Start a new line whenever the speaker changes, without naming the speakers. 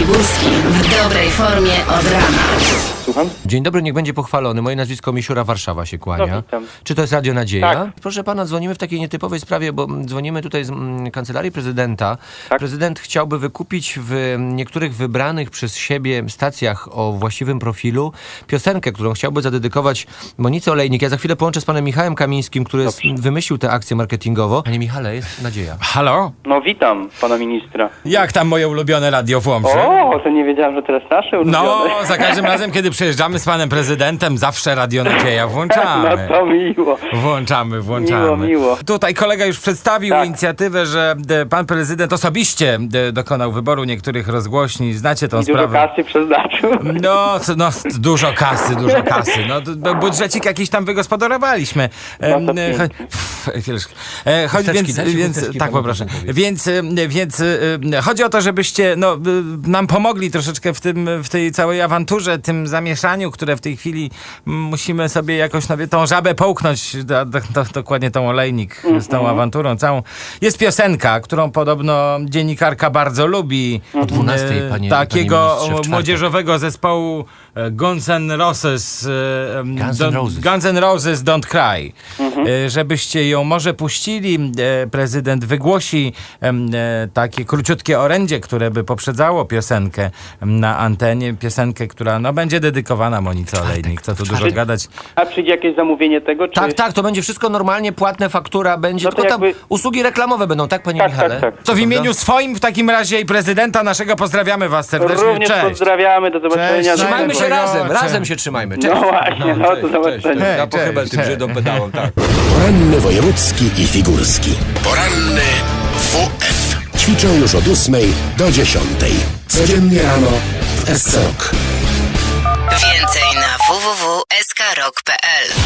Górski w dobrej formie od rana.
Słucham?
Dzień dobry, niech będzie pochwalony. Moje nazwisko Misiura, Warszawa się kłania.
No, witam.
Czy to jest Radio Nadzieja?
Tak.
Proszę pana, dzwonimy w takiej nietypowej sprawie, bo dzwonimy tutaj z kancelarii prezydenta.
Tak.
Prezydent chciałby wykupić w niektórych wybranych przez siebie stacjach o właściwym profilu piosenkę, którą chciałby zadedykować Monice Olejnik. Ja za chwilę połączę z panem Michałem Kamińskim, który wymyślił tę akcję marketingową. Panie Michale, jest nadzieja.
Halo?
No witam pana ministra.
Jak tam moje ulubione radio w Łomży?
O, to nie wiedziałem, że teraz nasze ulubione.
No, za każdym razem, kiedy przyjeżdżamy z panem prezydentem, zawsze Radio Nadzieja włączamy.
No to miło.
Włączamy.
Miło.
Tutaj kolega już przedstawił
Tak.
inicjatywę, że pan prezydent osobiście dokonał wyboru niektórych rozgłośni. Znacie tą
I dużo
sprawę.
kasy przeznaczył.
No, dużo kasy. No, budżecik jakiś tam wygospodarowaliśmy.
No to
Chusteczki, dajcie
Więc
chusteczki
tak
panu
poproszę.
prezydentowi.
Więc chodzi o to, żebyście nam pomogli troszeczkę w tej całej awanturze, tym zamieszaniu, które w tej chwili musimy sobie jakoś tą żabę połknąć, dokładnie tą Olejnik z tą awanturą całą. Jest piosenka, którą podobno dziennikarka bardzo lubi.
O 12:00, panie
takiego
ministrze, w czwartek.
młodzieżowego zespołu Guns N' Roses. Guns N' Roses Don't Cry. Żebyście ją może puścili. Prezydent wygłosi takie króciutkie orędzie, które by poprzedzało piosenkę na antenie. Piosenkę, która będzie dedykowana Monice Olejnik. Co tu dużo gadać.
A przyjdzie jakieś zamówienie tego? Czy...
Tak, to będzie wszystko normalnie, płatne, faktura będzie,
No to
tylko tam
jakby-
usługi reklamowe będą, tak panie Michale?
Tak.
To w imieniu swoim w takim razie i prezydenta naszego pozdrawiamy was serdecznie.
Również
Cześć.
pozdrawiamy, do zobaczenia.
Cześć.
Trzymajmy się
Dziękuję.
razem się trzymajmy. Cześć.
No właśnie, do zobaczenia.
Ja pochybel tym
cześć.
Żydom pedałem, tak.
Poranny wojewódzki i figurski. Poranny WF. Ćwiczą już od 8 do 10. Codziennie rano w SC Rock.
Więcej na www.skrok.pl